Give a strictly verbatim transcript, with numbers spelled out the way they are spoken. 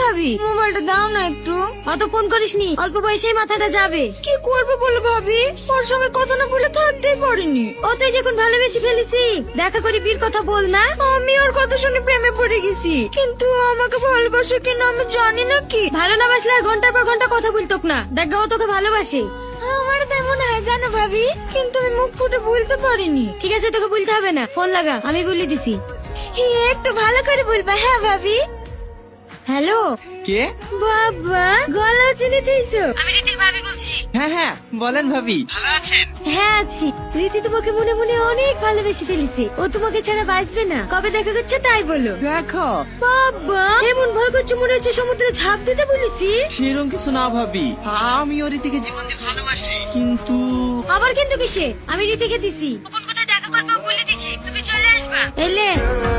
ভাবি মোবাইলটা দাও না একটু। অত ফোন করিসনি, অল্প বয়সেই মাথাটা যাবে। কি করবো বলো ভাবি, ওর সঙ্গে কথা না বলে থাকতেই পারিনি। ও তুই যখন ভালোবেসে ফেলেছি, দেখা করি বিয়ের কথা বল না। আমি ওর কথা শুনে প্রেমে পড়ে গেছি, কিন্তু আমাকে ভালোবাসে কিনা আমি জানি না। কি ভালো না বাসলে আর ঘন্টার পর ঘন্টা কথা বলতোক না। দেখ ও তোকে ভালোবাসে। আমার তাই মনে হয় জানো ভাবি, কিন্তু আমি মুখ ফুটে বলতে পারিনি। ঠিক আছে, তোকে বলতে হবে না, ফোন লাগা, আমি বলে দিছি। একটু ভালো করে বলবা। হ্যাঁ ভাবি। হ্যালো। কে? বাবা, গলা চিনে দিয়েছো? আমি রীতির ভাবি বলছি। হ্যাঁ হ্যাঁ বলেন ভাবি, ভালো আছেন? হ্যাঁ আছি। রীতি তোমাকে মনে মনে অনেক ভালোবেসে ফেলেছে, ও তোমাকে ছাড়া বাঁচবে না। কবে দেখা করছে তাই বলো। দেখো বাবা, এমন ভয় করছে মনে হচ্ছে সমুদ্রে ঝাঁপ দিতে বলেছি। সেরকম কিছু না ভাবি, আমি ওর দিকে জীবন দিয়ে ভালোবাসি, কিন্তু আবার কিন্তু কিসে? আমি রীতিকে দিছি, কোন কোথায় দেখা করবো বলে দিছি, তুমি চলে আসবা। এলে